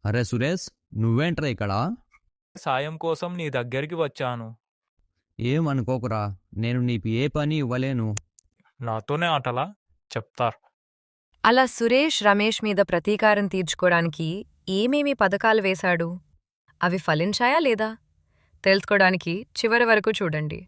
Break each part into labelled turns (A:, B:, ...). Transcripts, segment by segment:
A: అరే సురేష్, నువ్వేంట్రా ఇక్కడ?
B: సాయం కోసం నీ దగ్గరికి వచ్చాను.
A: ఏమనుకోకురా, నేను నీకు ఏ పని ఇవ్వలేను.
B: నాతోనే ఆటలా? చెప్తార్.
C: అలా సురేష్ రమేష్ మీద ప్రతీకారం తీర్చుకోడానికి ఏమేమి పథకాలు వేశాడు? అవి ఫలించాయా లేదా? తెలుసుకోడానికి చివరి వరకు చూడండి.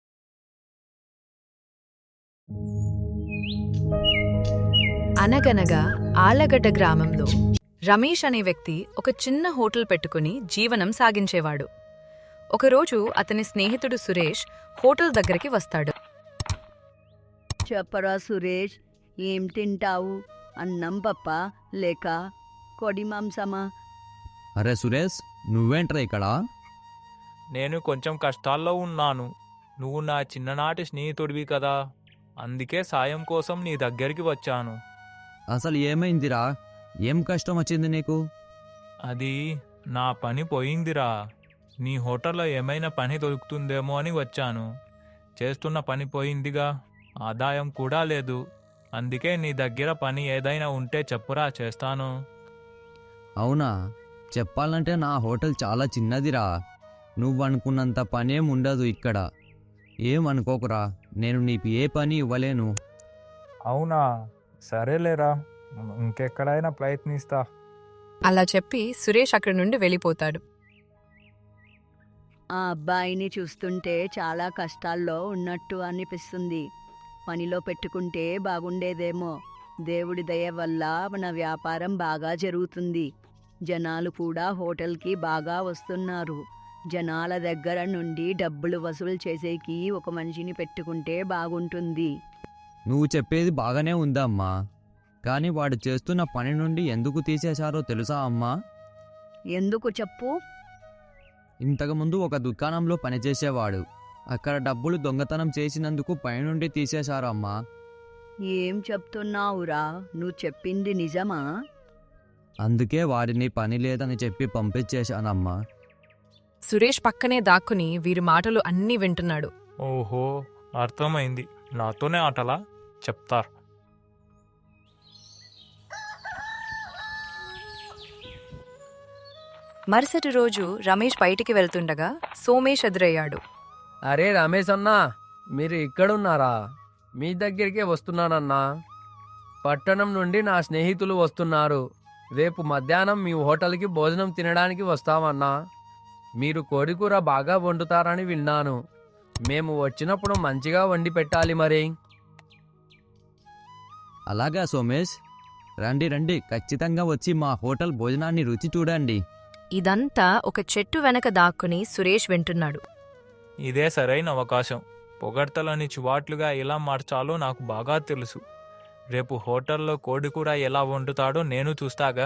C: అనగనగా ఆళ్లగడ్డ గ్రామంలో రమేష్ అనే వ్యక్తి ఒక చిన్న హోటల్ పెట్టుకుని జీవనం సాగించేవాడు. ఒకరోజు అతని స్నేహితుడు సురేష్ హోటల్ దగ్గరికి వస్తాడు.
D: చెప్పరా సురేష్, ఏం తింటావు? అన్నం పప్ప లేక కోడి మాంసమా?
A: అరే సురేష్, నువ్వేంట్రా ఇక్కడ?
B: నేను కొంచెం కష్టాల్లో ఉన్నాను. నువ్వు నా చిన్ననాటి స్నేహితుడివి కదా, అందుకే సాయం కోసం నీ దగ్గరికి వచ్చాను.
A: అసలు ఏమైందిరా? ఏం కష్టం వచ్చింది నీకు?
B: అది నా పని పోయిందిరా. నీ హోటల్లో ఏమైనా పని దొరుకుతుందేమో అని వచ్చాను. చేస్తున్న పని పోయిందిగా, ఆదాయం కూడా లేదు. అందుకే నీ దగ్గర పని ఏదైనా ఉంటే చెప్పురా, చేస్తాను.
A: అవునా? చెప్పాలంటే నా హోటల్ చాలా చిన్నదిరా. నువ్వనుకున్నంత పనేం ఉండదు ఇక్కడ. ఏమనుకోకురా, నేను నీకు ఏ పని ఇవ్వలేను.
B: అవునా? సరేలేరా, ఇంకెక్కడైనా ప్రయత్నిస్తా.
C: అలా చెప్పి సురేష్ అక్కడి నుండి వెళ్ళిపోతాడు.
D: ఆ అబ్బాయిని చూస్తుంటే చాలా కష్టాల్లో ఉన్నట్టు అనిపిస్తుంది. పనిలో పెట్టుకుంటే బాగుండేదేమో. దేవుడి దయ వల్ల మన వ్యాపారం బాగా జరుగుతుంది. జనాలు కూడా హోటల్కి బాగా వస్తున్నారు. జనాల దగ్గర నుండి డబ్బులు వసూలు చేసేకి ఒక మనిషిని పెట్టుకుంటే బాగుంటుంది.
A: నువ్వు చెప్పేది బాగానే ఉందమ్మా, కానీ వాడు చేస్తున్న పని నుండి ఎందుకు తీసేశారో తెలుసా అమ్మా?
D: ఎందుకు చెప్పు?
A: ఇంతకుముందు ఒక దుకాణంలో పనిచేసేవాడు. అక్కడ డబ్బులు దొంగతనం చేసినందుకు పైనుండి తీసేశారు అమ్మా.
D: ఏం చెప్తున్నావురా? నువ్వు చెప్పింది నిజమా?
A: అందుకే వారిని పని లేదని చెప్పి పంపించేశానమ్మా.
C: సురేష్ పక్కనే దాక్కుని వీరి మాటలు అన్నీ వింటున్నాడు.
B: ఓహో, అర్థమైంది. నాతోనే ఆటలా? చెప్తార్.
C: మరుసటి రోజు రమేష్ బయటికి వెళ్తుండగా సోమేష్ ఎదురయ్యాడు.
E: అరే రమేష్ అన్నా, మీరు ఇక్కడున్నారా? మీ దగ్గరికే వస్తున్నానన్నా. పట్టణం నుండి నా స్నేహితులు వస్తున్నారు. రేపు మధ్యాహ్నం మీ హోటల్కి భోజనం తినడానికి వస్తామన్నా. మీరు కోడికూర బాగా వండుతారని విన్నాను. మేము వచ్చినప్పుడు మంచిగా వండి పెట్టాలి మరి.
A: అలాగా సోమేష్, రండి రండి, ఖచ్చితంగా వచ్చి మా హోటల్ భోజనాన్ని రుచి చూడండి.
C: ఇదంతా ఒక చెట్టు వెనక దాక్కుని సురేష్ వింటున్నాడు.
B: ఇదే సరైన అవకాశం. పొగడ్తలని చివాట్లుగా ఎలా మార్చాలో నాకు బాగా తెలుసు. రేపు హోటల్లో కోడికూర ఎలా వండుతాడో నేను చూస్తాగా.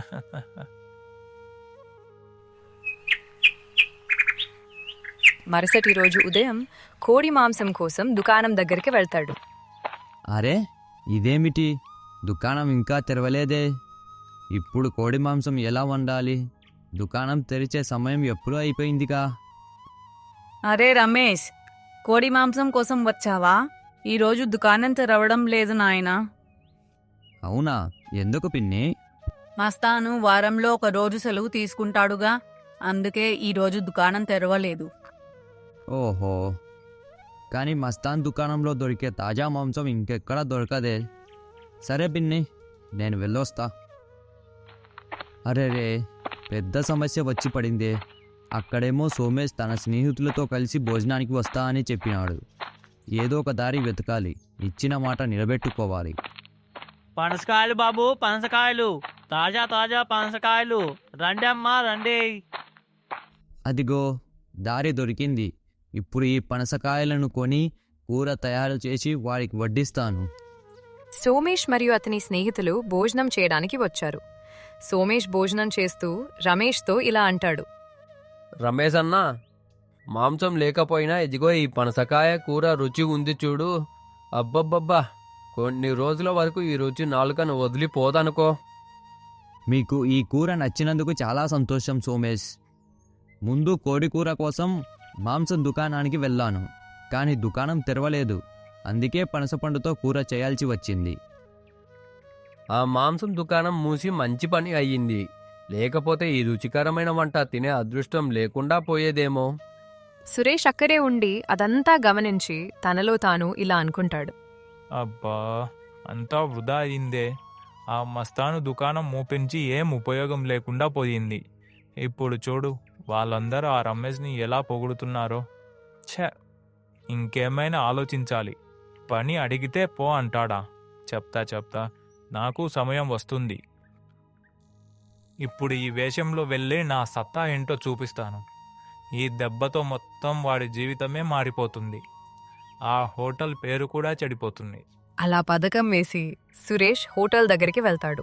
C: మరుసటి రోజు ఉదయం కోడి మాంసం కోసం దుకాణం దగ్గరికి వెళ్తాడు.
A: అరే, ఇదేమిటి? దుకాణం ఇంకా తెరవలేదే. ఇప్పుడు కోడి మాంసం ఎలా వండాలి? దుకాణం తెరిచే సమయం ఎప్పుడూ అయిపోయిందిగా.
F: అరే రమేష్, కోడి మాంసం కోసం వచ్చావా? ఈరోజు దుకాణం తెరవడం లేదు నాయనా.
A: అవునా? ఎందుకు పిన్ని?
F: మస్తాను వారంలో ఒక రోజు సెలవు తీసుకుంటాడుగా, అందుకే ఈరోజు దుకాణం తెరవలేదు.
A: ఓహో, కానీ మస్తాన్ దుకాణంలో దొరికే తాజా మాంసం ఇంకెక్కడా దొరకదే. సరే పిన్ని, నేను వెళ్ళొస్తా. అరే రే, పెద్ద సమస్య వచ్చి పడిందే. అక్కడేమో సోమేష్ తన స్నేహితులతో కలిసి భోజనానికి వస్తా అని చెప్పినాడు. ఏదో ఒక దారి వెతకాలి. ఇచ్చిన మాట నిలబెట్టుకోవాలి.
G: పనసకాయలు బాబు, పనసకాయలు, తాజా తాజా పనసకాయలు, రండి అమ్మా రండి.
A: అదిగో, దారి దొరికింది. ఇప్పుడు ఈ పనసకాయలను కొని కూర తయారు చేసి వారికి వడ్డిస్తాను.
C: సోమేష్ మరియు అతని స్నేహితులు భోజనం చేయడానికి వచ్చారు. సోమేష్ భోజనం చేస్తూ రమేష్తో ఇలా అంటాడు.
E: రమేష్ అన్నా, మాంసం లేకపోయినా ఇదిగో ఈ పనసకాయ కూర రుచి ఉంది చూడు. అబ్బబ్బబ్బా, కొన్ని రోజుల వరకు ఈ రుచి నాలుకను వదిలిపోదనుకో.
A: మీకు ఈ కూర నచ్చినందుకు చాలా సంతోషం సోమేష్. ముందు కోడి కూర కోసం మాంసం దుకాణానికి వెళ్ళాను, కానీ దుకాణం తెరవలేదు. అందుకే పనసపండుతో కూర చేయాల్సి వచ్చింది.
E: ఆ మాంసం దుకాణం మూసి మంచి పని అయ్యింది. లేకపోతే ఈ రుచికరమైన వంట తినే అదృష్టం లేకుండా పోయేదేమో.
C: సురేష్ అక్కడే ఉండి అదంతా గమనించి తనలో తాను ఇలా అనుకుంటాడు.
B: అబ్బా, అంతా వృధా అయిందే. ఆ మస్తాను దుకాణం మూపించి ఏం ఉపయోగం లేకుండా పోయింది. ఇప్పుడు చూడు, వాళ్ళందరూ ఆ రమేష్ని ఎలా పొగుడుతున్నారో. ఛ, ఇంకేమైనా ఆలోచించాలి. పని అడిగితే పో అంటాడా? చెప్తా నాకు సమయం వస్తుంది. ఇప్పుడు ఈ వేషంలో వెళ్ళి నా సత్తా ఏంటో చూపిస్తాను. ఈ దెబ్బతో మొత్తం వాడి జీవితమే మారిపోతుంది. ఆ హోటల్ పేరు కూడా చెడిపోతుంది.
C: అలా పథకం వేసి సురేష్ హోటల్ దగ్గరికి వెళ్తాడు.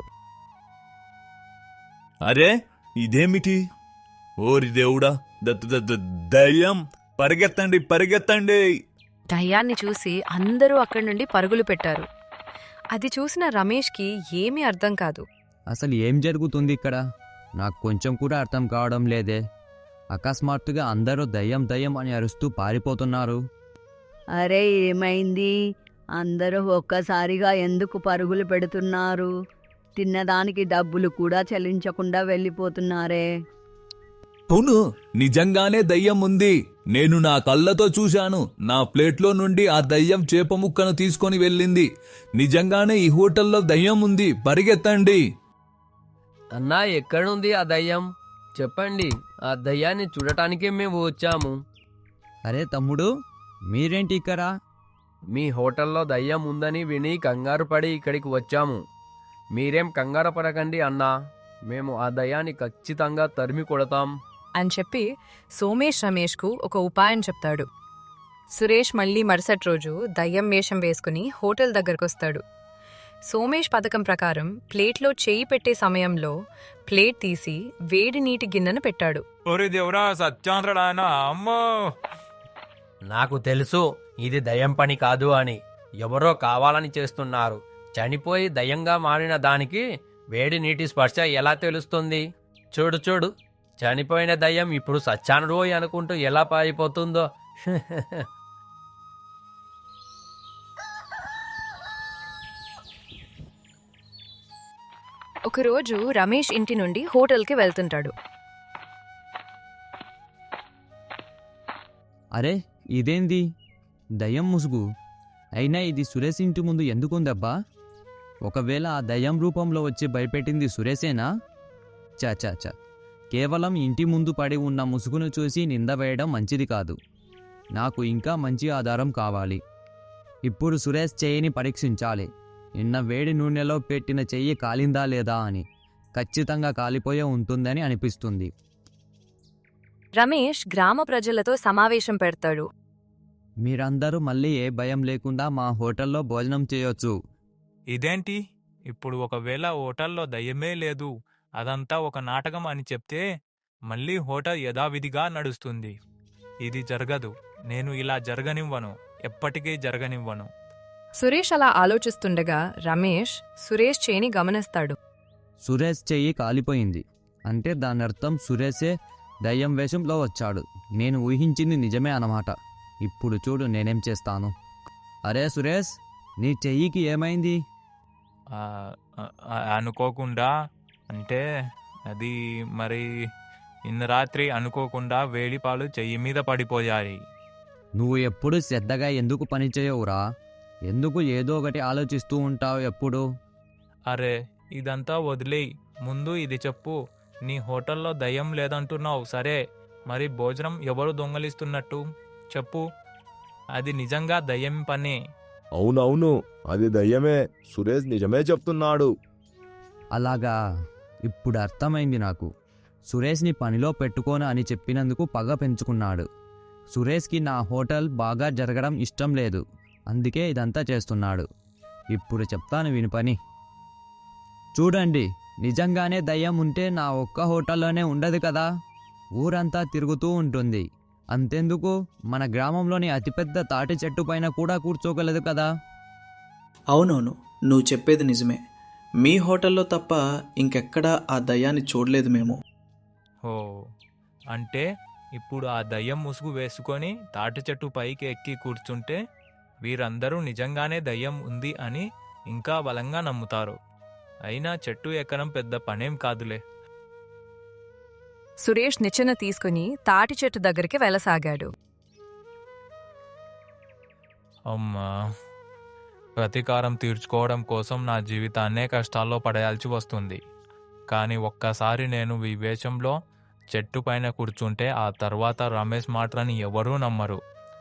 H: అరే, ఇదేమిటి? ఓరి దేవుడా, దయ్యం! పరిగెత్తండి!
C: దయ్యాన్ని చూసి అందరూ అక్కడి నుండి పరుగులు పెట్టారు. అది చూసిన రమేష్కి ఏమీ అర్థం కాదు.
A: అసలు ఏం జరుగుతుంది ఇక్కడ? నాకు కొంచెం కూడా అర్థం కావడం లేదే. అకస్మాత్తుగా అందరూ దయ్యం అని అరుస్తూ పారిపోతున్నారు.
D: అరే, ఏమైంది? అందరూ ఒక్కసారిగా ఎందుకు పరుగులు పెడుతున్నారు? తిన్నదానికి డబ్బులు కూడా చెల్లించకుండా వెళ్ళిపోతున్నారే.
H: అవును, నిజంగానే దయ్యం ఉంది. నేను నా కళ్ళతో చూశాను. నా ప్లేట్లో నుండి ఆ దయ్యం చేప ముక్కను తీసుకొని వెళ్ళింది. నిజంగానే ఈ హోటల్లో దయ్యం ఉంది. పరిగెత్తండి!
E: అన్నా, ఎక్కడుంది ఆ దయ్యం? చెప్పండి, ఆ దయ్యాన్ని చూడటానికే మేము వచ్చాము.
A: అరే తమ్ముడు, మీరేంటి ఇక్కడ?
E: మీ హోటల్లో దయ్యం ఉందని విని కంగారు పడి ఇక్కడికి వచ్చాము. మీరేం కంగారు పడకండి అన్నా, మేము ఆ దయ్యాన్ని ఖచ్చితంగా తరిమి కొడతాం
C: అని చెప్పి సోమేష్ రమేష్కు ఒక ఉపాయం చెప్తాడు. సురేష్ మళ్ళీ మరుసటి రోజు దయ్యం వేషం వేసుకుని హోటల్ దగ్గరకొస్తాడు. సోమేష్ పథకం ప్రకారం ప్లేట్లో చేయి పెట్టే సమయంలో ప్లేట్ తీసి వేడి నీటి గిన్నెను పెట్టాడు.
B: ఓరి దేవుడా, సత్యాంధ్రడానా! అమ్మో!
E: నాకు తెలుసు ఇది దయ్యం పని కాదు అని. ఎవరో కావాలని చేస్తున్నారు. చనిపోయి దయ్యంగా మారిన దానికి వేడి నీటి స్పర్శ ఎలా తెలుస్తుంది? చూడు, చనిపోయిన దయ్యం ఇప్పుడు సచ్చానురోయ్ అనుకుంటూ ఎలా పారిపోతుందో.
C: ఒకరోజు రమేష్ ఇంటి నుండి హోటల్కి వెళ్తుంటాడు.
A: అరే, ఇదేంది? దయ్యం ముసుగు. అయినా ఇది సురేష్ ఇంటి ముందు ఎందుకుందబ్బా? ఒకవేళ ఆ దయ్యం రూపంలో వచ్చి భయపెట్టింది సురేషేనా? చా కేవలం ఇంటి ముందు పడి ఉన్న ముసుగును చూసి నింద వేయడం మంచిది కాదు. నాకు ఇంకా మంచి ఆధారం కావాలి. ఇప్పుడు సురేష్ చెయ్యిని పరీక్షించాలి. నిన్న వేడి నూనెలో పెట్టిన చెయ్యి కాలిందా లేదా అని. ఖచ్చితంగా కాలిపోయే ఉంటుందని అనిపిస్తుంది.
C: రమేష్ గ్రామ ప్రజలతో సమావేశం పెడతాడు.
A: మీరందరూ మళ్ళీ ఏ భయం లేకుండా మా హోటల్లో భోజనం చేయొచ్చు.
B: ఇదేంటి? ఇప్పుడు ఒకవేళ హోటల్లో దయ్యమే లేదు, అదంతా ఒక నాటకం అని చెప్తే మళ్ళీ హోటల్ యథావిధిగా నడుస్తుంది. ఇది జరగదు. నేను ఇలా జరగనివ్వను. ఎప్పటికీ జరగనివ్వను.
C: సురేష్ అలా ఆలోచిస్తుండగా రమేష్ సురేష్ చేయిని గమనిస్తాడు.
A: సురేష్ చెయ్యి కాలిపోయింది అంటే దానర్థం సురేషే దయ్యం వేషంలో వచ్చాడు. నేను ఊహించింది నిజమే అన్నమాట. ఇప్పుడు చూడు నేనేం చేస్తాను. అరే సురేష్, నీ చెయ్యికి ఏమైంది?
B: అనుకోకుండా అంటే అది మరి నిన్న రాత్రి అనుకోకుండా వేడిపాలు చెయ్యి మీద పడిపోయాయి.
A: నువ్వు ఎప్పుడు శ్రద్ధగా ఎందుకు పని చేయవురా? ఎందుకు ఏదో ఒకటి ఆలోచిస్తూ ఉంటావు ఎప్పుడు?
B: అరే, ఇదంతా వదిలేయ్. ముందు ఇది చెప్పు. నీ హోటల్లో దయ్యం లేదంటున్నావు సరే, మరి భోజనం ఎవరు దొంగలిస్తున్నట్టు చెప్పు. అది నిజంగా దయ్యం పనే.
I: అవునవును, అది దయ్యమే. సురేష్ నిజమే చెప్తున్నాడు.
A: అలాగా, ఇప్పుడు అర్థమైంది నాకు. సురేష్ని పనిలో పెట్టుకోను అని చెప్పినందుకు పగ పెంచుకున్నాడు. సురేష్కి నా హోటల్ బాగా జరగడం ఇష్టం లేదు, అందుకే ఇదంతా చేస్తున్నాడు. ఇప్పుడు చెప్తాను విని పని. చూడండి, నిజంగానే దయ్యం ఉంటే నా ఒక్క హోటల్లోనే ఉండదు కదా, ఊరంతా తిరుగుతూ ఉంటుంది. అంతెందుకు, మన గ్రామంలోని అతిపెద్ద తాటి చెట్టు పైన కూడా కూర్చోగలదు కదా.
J: అవునవును, నువ్వు చెప్పేది నిజమే. మీ హోటల్లో తప్ప ఇంకెక్కడా ఆ దయ్యాన్ని చూడలేదు మేము.
B: ఓ, అంటే ఇప్పుడు ఆ దయ్యం ముసుగు వేసుకొని తాటి చెట్టు పైకి ఎక్కి కూర్చుంటే వీరందరూ నిజంగానే దయ్యం ఉంది అని ఇంకా బలంగా నమ్ముతారు. అయినా చెట్టు ఎక్కడం పెద్ద పనేం కాదులే.
C: సురేష్ నిచ్చెన తీసుకుని తాటి చెట్టు దగ్గరికి వెళ్ళసాగాడు.
B: అమ్మా, ప్రతీకారం తీర్చుకోవడం కోసం నా జీవితాన్నే కష్టాల్లో పడేయాల్సి వస్తుంది. కానీ ఒక్కసారి నేను ఈ వేషంలో చెట్టు పైన కూర్చుంటే ఆ తర్వాత రమేష్ మాటలని ఎవరూ నమ్మరు.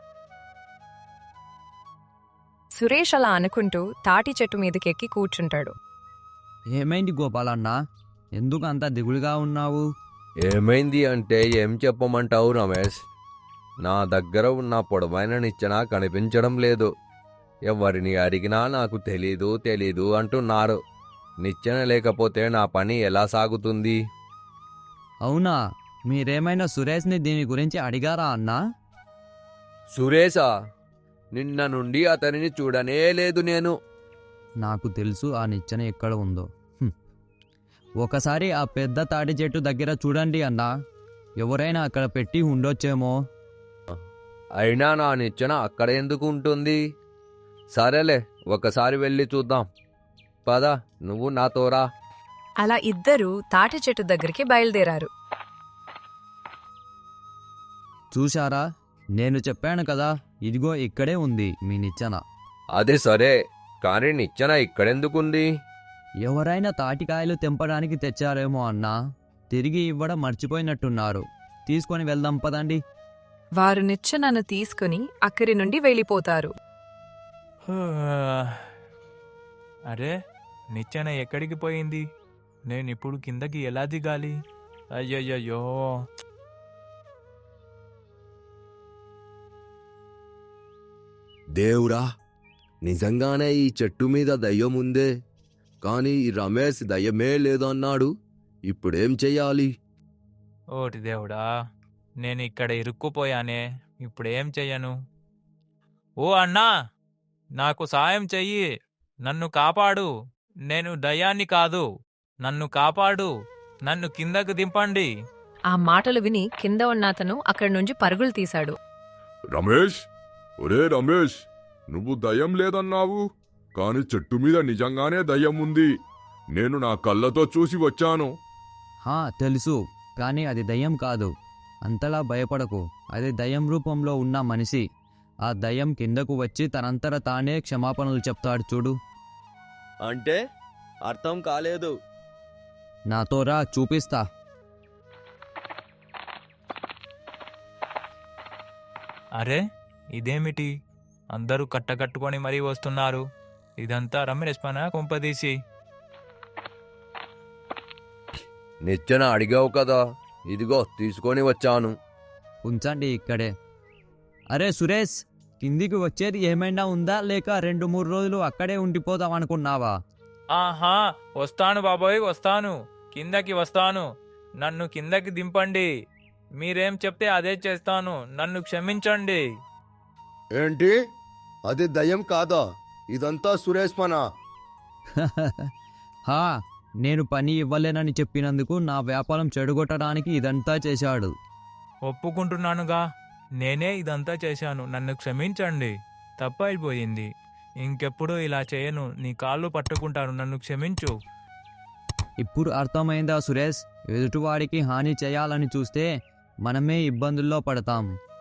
C: సురేష్ అలా అనుకుంటూ తాటి చెట్టు మీదకెక్కి కూర్చుంటాడు.
A: ఏమైంది గోపాలన్న, ఎందుకు అంత దిగులుగా ఉన్నావు?
K: ఏమైంది అంటే ఏం చెప్పమంటావు రమేష్? నా దగ్గర ఉన్న పొడవైన నిచ్చెన కనిపించడం లేదు. ఎవరిని అడిగినా నాకు తెలీదు అంటున్నారు. నిచ్చెన లేకపోతే నా పని ఎలా సాగుతుంది?
A: అవునా, మీరేమైనా సురేష్ని దీని గురించి అడిగారా అన్నా?
K: సురేషా? నిన్న నుండి అతనిని చూడనే లేదు నేను.
A: నాకు తెలుసు ఆ నిచ్చెన ఎక్కడ ఉందో. ఒకసారి ఆ పెద్ద తాటి చెట్టు దగ్గర చూడండి అన్నా, ఎవరైనా అక్కడ పెట్టి ఉండొచ్చేమో.
K: అయినా నా నిచ్చెన అక్కడ ఎందుకు ఉంటుంది? సరేలే, ఒకసారి వెళ్ళి చూద్దాం. పద, నువ్వు నాతోరా.
C: అలా ఇద్దరూ తాటి చెట్టు దగ్గరికి బయలుదేరారు.
A: చూశారా, నేను చెప్పాను కదా, ఇదిగో ఇక్కడే ఉంది మీ నిచ్చెన.
K: అదే సరే, కానీ నిచ్చెన ఇక్కడెందుకుంది?
A: ఎవరైనా తాటికాయలు తెంపడానికి తెచ్చారేమో అన్నా, తిరిగి ఇవ్వడం మర్చిపోయినట్టున్నారు. తీసుకొని వెళ్దాం పదండి.
C: వారు నిచ్చెనను తీసుకుని అక్కడి నుండి వెళ్ళిపోతారు.
B: అరే, నిచ్చెన ఎక్కడికి పోయింది? నేనిప్పుడు కిందకి ఎలా దిగాలి? అయ్యయ్యో!
I: దేవుడా, నిజంగానే ఈ చెట్టు మీద దయ్యం ఉందే, కానీ ఈ రమేష్ దయ్యమే లేదన్నాడు. ఇప్పుడేం చెయ్యాలి?
B: ఓటి దేవుడా, నేను ఇక్కడ ఇరుక్కుపోయానే, ఇప్పుడేం చెయ్యను? ఓ అన్నా, నాకు సాయం చెయ్యి, నన్ను కాపాడు. నేను దయ్యాన్ని కాదు, నన్ను కాపాడు, నన్ను కిందకు దింపండి.
C: ఆ మాటలు విని కింద ఉన్న అతను అక్కడి నుంచి పరుగులు తీశాడు.
I: రమేష్, ఒరే రమేష్, నువ్వు దయ్యం లేదన్నావు, కాని చెట్టు మీద నిజంగానే దయ్యం ఉంది. నేను నా కళ్ళతో చూసి వచ్చాను.
A: తెలుసు, కానీ అది దయ్యం కాదు. అంతలా భయపడకు, అది దయ్యం రూపంలో ఉన్న మనిషి. ఆ దయ్యం కిందకు వచ్చి తనంతట తానే క్షమాపణలు చెప్తాడు చూడు.
K: అంటే అర్థం కాలేదు.
A: నాతో రా, చూపిస్తా.
B: అరే, ఇదేమిటి? అందరూ కట్టకట్టుకొని మరీ వస్తున్నారు. ఇదంతా రమేష్ పనా కొంపదీసి?
K: నిచ్చెన అడిగావు కదా, ఇదిగో తీసుకొని వచ్చాను.
A: ఉంచండి ఇక్కడే. అరే సురేష్, కిందికి వచ్చేది ఏమైనా ఉందా, లేక 2-3 రోజులు అక్కడే ఉండిపోదాం అనుకున్నావా?
B: ఆహా, వస్తాను బాబోయ్, వస్తాను, కిందకి వస్తాను. నన్ను కిందకి దింపండి. మీరేం చెప్తే అదే చేస్తాను. నన్ను క్షమించండి.
I: ఏంటి? అది దయ్యం కాదా? ఇదంతా సురేష్ పనా?
A: నేను పని ఇవ్వలేనని చెప్పినందుకు నా వ్యాపారం చెడగొట్టడానికి ఇదంతా చేశాడు.
B: ఒప్పుకుంటున్నానుగా, నేనే ఇదంతా చేశాను. నన్ను క్షమించండి, తప్పైపోయింది. ఇంకెప్పుడు ఇలా చేయను. నీ కాళ్ళు పట్టుకుంటాను, నన్ను క్షమించు.
A: ఇప్పుడు అర్థమైందా సురేష్? ఎదుటివాడికి హాని చేయాలని చూస్తే మనమే ఇబ్బందుల్లో పడతాం.